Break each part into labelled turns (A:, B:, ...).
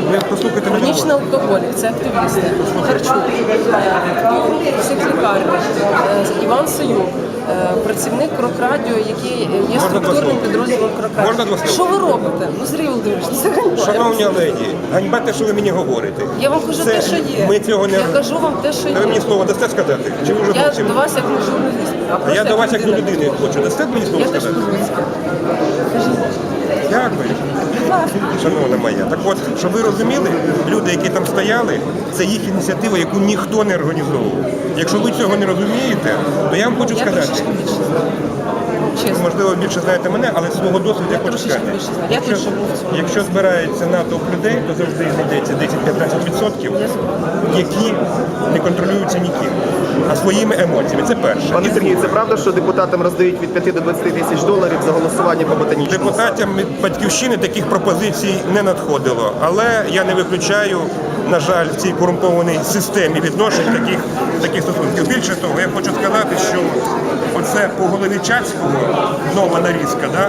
A: Ви послухайте мене.
B: Хронічний алкоголік, це активісти. Харчук, психлікарні, Іван Союк, працівник Крокрадіо, який є структурним підрозділом Крокрадіо. Що ви робите? Ну, Сергій Володимирович, це ганьба.
A: Шановні леді, ганьба те, що ви мені говорите.
B: Я вам кажу те, що є.
A: Ми цього не...
B: Я кажу вам те, що є.
A: Ви мені слово дасте сказати? Чи ви вже
B: Я
A: мовчите?
B: до вас як не журналіст.
A: А я до вас як до людини хочу. Дасте мені слово
B: Я теж
A: сказати?
B: по-людськи.
A: Дякую. Шановна моя. Так от, щоб ви розуміли, люди, які там стояли, це їх ініціатива, яку ніхто не організовував. Якщо ви цього не розумієте, то я вам хочу
B: Я
A: сказати.
B: трошечки більше знаю. Чесно.
A: Можливо, більше знаєте мене, але свого досвіду я хочу
B: трошечки
A: сказати.
B: більше знаю. Я теж був в цьому.
A: Якщо збирається натовп людей, то завжди знайдеться 10-15%, які не контролюються ніким, а своїми емоціями. Це перше.
C: Пане Сергію, це правда, що депутатам роздають від 5 до 20 тисяч доларів за голосування по ботанічному?
A: Депутатам від Батьківщини таких пропозицій не надходило, але я не виключаю, на жаль, в цій корумпованій системі відношень таких стосунків. Більше того, я хочу сказати, що оце по голові Чацького нова нарізка, да?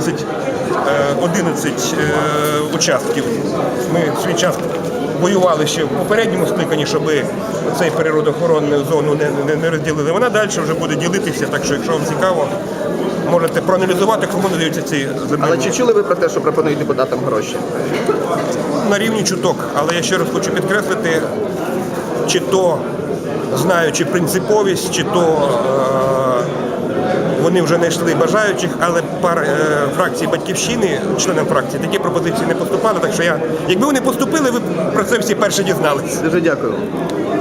A: 11 участків. Ми в свій час воювали ще в попередньому скликанні, щоб цей природоохоронну зону не розділили. Вона далі вже буде ділитися, так що, якщо вам цікаво, можете проаналізувати, кому надаються ці землі.
C: Але чи чули ви про те, що пропонують депутатам гроші?
A: На рівні чуток, але я ще раз хочу підкреслити, чи то знаючи принциповість, чи то вони вже знайшли бажаючих, але фракції Батьківщини, членам фракції, такі пропозиції не поступали, так що якби вони поступили, ви про це всі перші дізналися.
C: Дуже дякую.